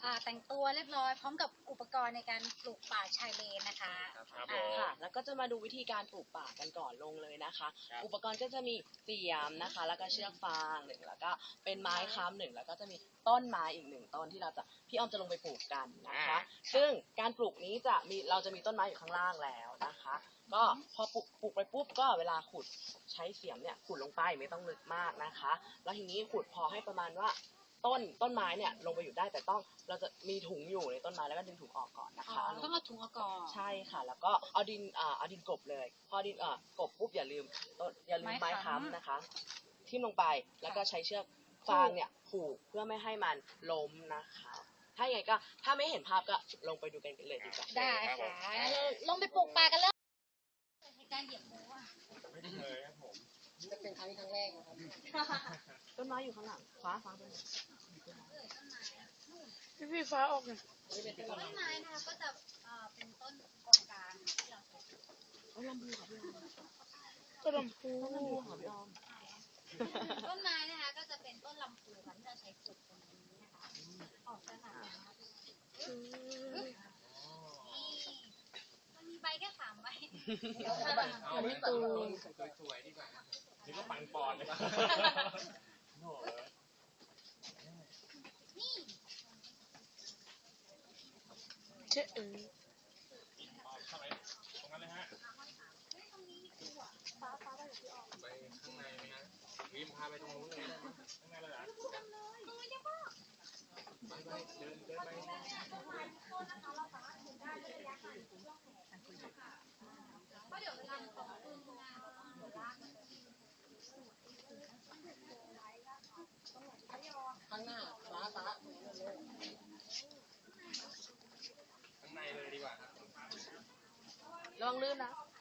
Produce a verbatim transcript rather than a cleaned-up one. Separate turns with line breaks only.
อ่าแต่งตัวเรียบร้อยพร้อมกับอุปกรณ์ในการปลูกป่าชายเลนนะคะ
ครับ
อ่า
ค่ะแล้วก็จะมาดูวิธีการปลูกป่ากันก่อนลงเลยนะคะ อุปกรณ์ก็จะมีเสียมนะคะ แล้วก็เชือกฟางหนึ่งแล้วก็เป็นไม้ค้ำหนึ่งแล้วก็จะมีต้นไม้อีกหนึ่งต้นที่เราจะพี่ออมจะลงไปปลูกกันนะคะ ซึ่งการปลูกนี้จะมีเราจะมีต้นไม้อยู่ข้างล่างแล้วนะคะ ก็พอปลูกปลูกไปปุ๊บก็เวลาขุดใช้เสียมเนี่ยขุดลงไปไม่ต้องลึกมากนะคะ แล้วทีนี้ขุดพอให้ประมาณว่าต้นต้นไม้เนี่ยลงไปอยู่ได้แต่ต้องเราจะมีถุงอยู่ในต้นไม้แล้วก็ดึงถุงออกก่อนนะ
อ๋อ
คะ
ต้องเอาถุงเอาก่อน
ใช่ค่ะ แล้วก็เอาดินอ่าเอาดินกลบเลย พอดินอ่ากลบปุ๊บอย่าลืมต้นอย่าลืมไม้ค้ำนะคะ ทิ่มลงไปแล้วก็ใช้เชือกฟางเนี่ยผูกเพื่อไม่ให้มันล้มนะคะ ถ้าอย่างไรก็ถ้าไม่เห็นภาพก็ลงไปดูกันเลยดีกว่า
ได้ค่ะงั้นเราลงไปปลูกป่ากันเลยในการเหยียบหมูอ่ะ
ไม่เคยครับผม
จะเป็นครั้งครั้งแรกนะครับ
ต้นไม้อยู่ข้างหลังฟ้าฟ้าต้นไม้
พี่พี่ฟ้าออกหน่อย
ต้นไม้นะคะก็จะเอ่อเป็นต้นกงกลางค่ะที่เราใช้ปลูก
ต้นลำพูค่ะพี่ออม
ก็ลำพู
ต้นลำพูค่ะพี่ออม
ต้นไม้นะคะก็จะเป็นต้นลำพูค่ะที่เราใช้ปลูกตรงนี้นะคะออกจะหนานี่มันมีใบแค่สามใบ
เอาไม่ตัดต้นสวยๆดีกว่านี่ก็ปังปอนเลยโอ้โห
นี่
เจ๊เออ
เข้าไปตรงนั้นเลยฮะ
ตรงนี้คือหัวฟ้าฟ้าไปกับพี่ออม
ไปข้างในไหมฮะวิมพาไปตรงนู้นเลยได้ไหมข้างในเลยเหรอ
ตรงนี้จะบ้า
ไปไปเดินเดินไป
เพราะเดี๋ยวเวลาของปืนงานเราต้องหัวลาก
ข้างหน้าฟ้าฟ้า
ข้างในเลยดีกว่าครับ
ระวังลื่นนะ
เ